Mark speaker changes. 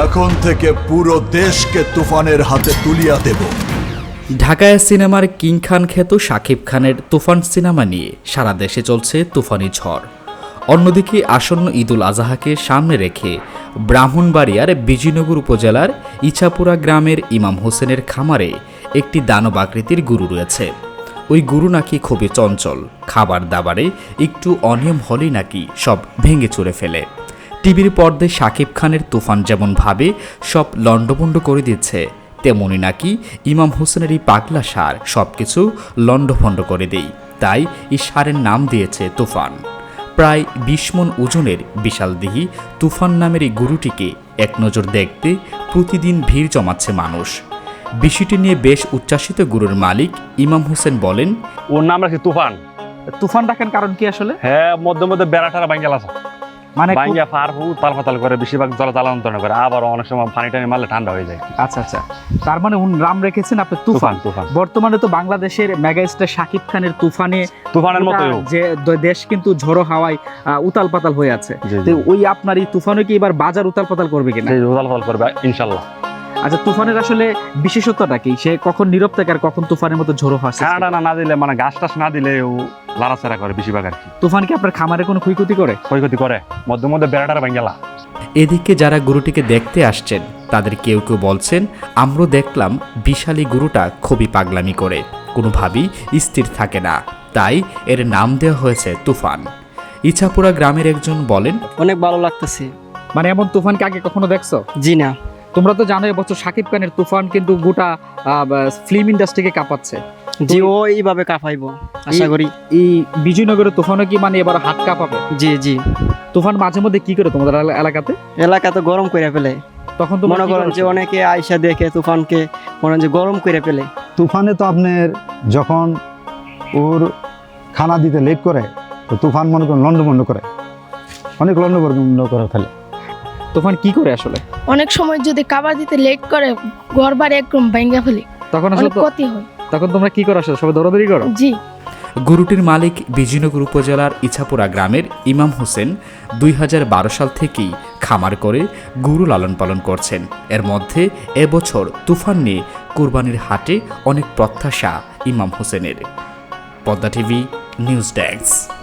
Speaker 1: এখন থেকে পুরো দেশকে তুফানের হাতে তুলিয়া দেব।
Speaker 2: ঢাকায় সিনেমার কিং খান খ্যাত শাকিব খানের তুফান সিনেমা নিয়ে সারা দেশে চলছে তুফানি ঝড়। অন্যদিকে আসন্ন ঈদুল আজহাকে সামনে রেখে ব্রাহ্মণবাড়িয়ার বিজয়নগর উপজেলার ইছাপুরা গ্রামের ইমাম হোসেনের খামারে একটি দানব আকৃতির গরু রয়েছে। ওই গরু নাকি খুবই চঞ্চল, খাবার দাবারে একটু অনিয়ম হলেই নাকি সব ভেঙে চুরে ফেলে। টিভির পর্দায় শাকিব খানের তুফান যেমন ভাবে সব লণ্ডভণ্ড করে দিচ্ছে, তেমনি নাকি ইমাম হোসেনের এই পাগলা ষাঁড় সবকিছু লণ্ডভণ্ড করে দেয়। তাই এই ষাঁড়ের নাম দিয়েছে তুফান। প্রায় ২০ মণ ওজনের বিশালদেহী তুফান নামের এই গরুটিকে এক নজর দেখতে প্রতিদিন ভিড় জমাচ্ছে মানুষ। বিষয়টি নিয়ে বেশ উচ্ছ্বাসিত গরুর মালিক ইমাম হোসেন বলেন,
Speaker 3: ওর নাম রাখছি তুফান।
Speaker 4: তুফান ডাকেন কারণ কি আসলে?
Speaker 3: হ্যাঁ, মধ্যে মধ্যে বেড়াটারা ভাঙ্গেল আছে,
Speaker 4: মানে
Speaker 3: ভাঙ্গা ফার তাল ফাতাল করে, বেশিরভাগ জল জ্বালান্তর করে, আবার অনেক সময় পানি টানি মারলে ঠান্ডা হয়ে যায়।
Speaker 4: আচ্ছা আচ্ছা, তার মানে নাম রেখেছেন আপনি তুফান।
Speaker 3: তুফান
Speaker 4: বর্তমানে তো বাংলাদেশের মেগা স্টার শাকিব খানের
Speaker 3: তুফানের মতোই
Speaker 4: যে দেশ কিন্তু ঝড়ো হাওয়ায় উতাল পাতাল হয়ে আছে।
Speaker 3: জি,
Speaker 4: তো
Speaker 3: জি।
Speaker 4: ওই আপনার এই তুফানও কি এবার বাজার উতাল পাতাল করবে কিনা?
Speaker 3: সেই উতাল ফাতাল করবে ইনশাল্লাহ।
Speaker 4: আচ্ছা, তুফানের আসলে বিশেষত্বটা কি? সে কখন নীরব থাকে আর কখন তুফানের মতো ঝড়ো হয়?
Speaker 3: ঠান্ডা না দিলে, মানে গাছ টাছ না দিলে ও লাড়াচাড়া করে বেশিরভাগ আর কি।
Speaker 4: তুফান কি আপনার খামারে কোনো ক্ষয়ক্ষতি করে?
Speaker 3: ক্ষয়ক্ষতি করে, মধ্যে মধ্যে বেড়াটারা ভাঙ্গেলা।
Speaker 2: এদিকে যারা গরুটিকে দেখতে আসছেন তাদের কেউ কেউ বলছেন, আমরাও দেখলাম বিশাল এই গরুটা খুবই পাগলামি করে, কোনোভাবেই স্থির থাকে না, তাই এর নাম দেওয়া হয়েছে তুফান। ইছাপুরা গ্রামের একজন বলেন,
Speaker 5: অনেক ভালো লাগতেছে।
Speaker 4: মানে এমন তুফানকে আগে কখনো দেখছো?
Speaker 5: জি না।
Speaker 4: তোমরা তো জানো এবছর শাকিব খানের তুফান কিন্তু গোটা ফিল্ম ইন্ডাস্ট্রিকে কাঁপাচ্ছে।
Speaker 5: জি, ও এইভাবে কাঁপাইবো আশা করি।
Speaker 4: এই বিজয়নগরের তুফানও কি মানে এবার হাত কাঁপাবে?
Speaker 5: জি জি।
Speaker 4: তুফান মাঝে মধ্যে কি করে তোমাদের এলাকাতে?
Speaker 5: এলাকা তো গরম করে ফেলে,
Speaker 4: তখন তো
Speaker 5: মনে করেন যে অনেকে আয়সা দেখে তুফানকে মনে হয় যে গরম করে ফেলে।
Speaker 6: তুফানে তো আপনার যখন ওর খানা দিতে লেট করে, তো তুফান মনে করেন লন্ডভন্ড করে, অনেক লন্ডভন্ড করে ফেলে।
Speaker 4: তুফান কি করে আসলে?
Speaker 7: অনেক সময় যদি খাবার দিতে লেট করে ঘর বাড়ি একদম ভেঙে ফেলি,
Speaker 4: তখন
Speaker 7: অনেক
Speaker 4: আসলে
Speaker 7: ক্ষতি হয়।
Speaker 4: তখন তোমরা কি করো আসলে? সবাই দৌড়াদৌড়ি করো?
Speaker 7: জি।
Speaker 2: গরুটির মালিক বিজয়নগর উপজেলার ইছাপুরা গ্রামের ইমাম হোসেন ২০১২ সাল থেকেই খামার করে গরু লালন পালন করছেন। এর মধ্যে এবছর তুফান নিয়ে কুরবানির হাটে অনেক প্রত্যাশা ইমাম হোসেনের। Padma TV news desk.